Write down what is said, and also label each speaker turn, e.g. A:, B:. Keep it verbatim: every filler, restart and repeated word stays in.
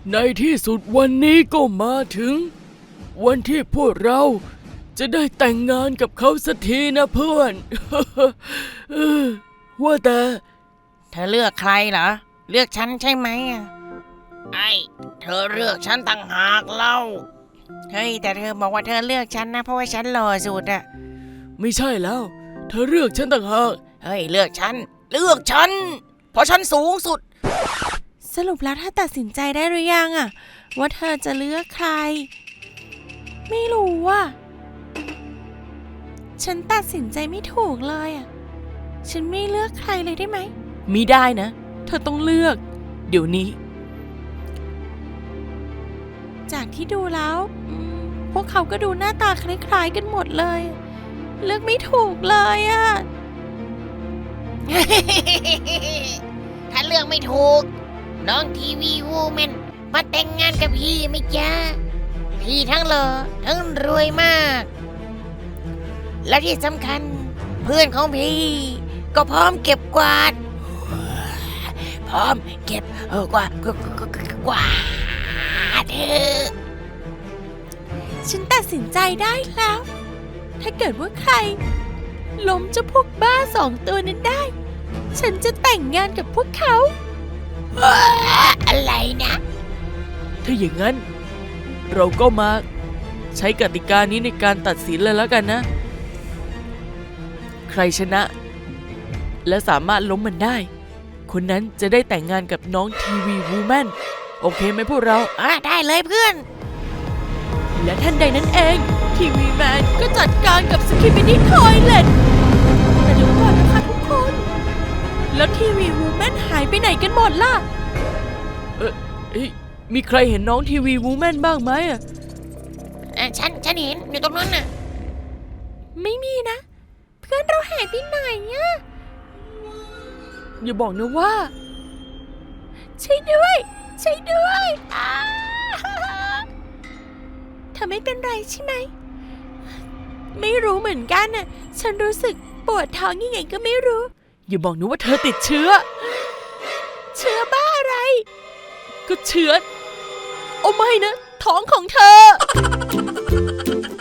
A: ในที่สุดวันนี้ก็มาถึงวันที่พวกเราจะได้แต่งงานกับเขาสักทีนะเพื่อน ว่าแต่
B: เธอเลือกใครเหรอเลือกฉันใช่ไหมอะไอ้เธอเลือกฉันต่างหากเล่าเฮ้ยแต่เธอบอกว่าเธอเลือกฉันนะเพราะว่าฉันหล่อสุดอะ
A: ไม่ใช่แล้วเธอเลือกฉันต่างหาก
B: เฮ้ยเลือกฉันเลือกฉันเพราะฉันสูงสุด
C: สรุปแล้วถ้าตัดสินใจได้หรือยังอะว่าเธอจะเลือกใครไม่รู้อะฉันตัดสินใจไม่ถูกเลยอะฉันไม่เลือกใครเลยได้ไหม
A: มิได้นะเธอต้องเลือกเดี๋ยวนี้
C: จากที่ดูแล้วพวกเขาก็ดูหน้าตาคล้ายๆกันหมดเลยเลือกไม่ถูกเลยอะ
B: ถ้าเลือกไม่ถูกน้องทีวีวูแมนมาแต่งงานกับพี่ไหมจ๊ะพี่ทั้งหล่อทั้งรวยมากและที่สำคัญเพื่อนของพี่ก็พร้อมเก็บกวาดพร้อมเก็บเออกวาดกวาดกวาดเธอ
C: ฉันตัดสินใจได้แล้วถ้าเกิดว่าใครล้มเจ้าพวกบ้าสองตัวนั้นได้ฉันจะแต่งงานกับพวกเขา
B: อะไรนะ
A: ถ้าอย่างนั้นเราก็มาใช้กติกานี้ในการตัดสินเลยแล้วกันนะใครชนะและสามารถล้มมันได้คนนั้นจะได้แต่งงานกับน้องทีวีวูแมนโอเคไหมพวกเรา
B: อ่ะได้เลยเพื่อน
C: และทันใดนั้นเองทีวีแมนก็จัดการกับสกิปปิดี้ทอยเลทแต่เดี๋ยวก่อนนะคะทุกคนแล้วทีวีวูแมนหายไปไหนกันหมดล่ะ
A: เออมีใครเห็นน้องทีวีวูแมนบ้างไหมอ่ะ
B: ฉันฉันเห็นอยู่ตรงนั้นน่ะ
C: ไม่มีนะเพื่อนเราหายไปไหนอ่ะ
A: อย่าบอกนะว่า
C: ใช่ด้วยใช่ด้วยเธอไม่เป็นไรใช่ไหมไม่รู้เหมือนกันน่ะฉันรู้สึกปวดท้องยังไงก็ไม่รู้
A: อย่าบอกนะว่าเธอติดเชื้อ
C: เชื้อบ้าอะไร
A: ก็เชื้อโอ้ไม่นะท้องของเธอ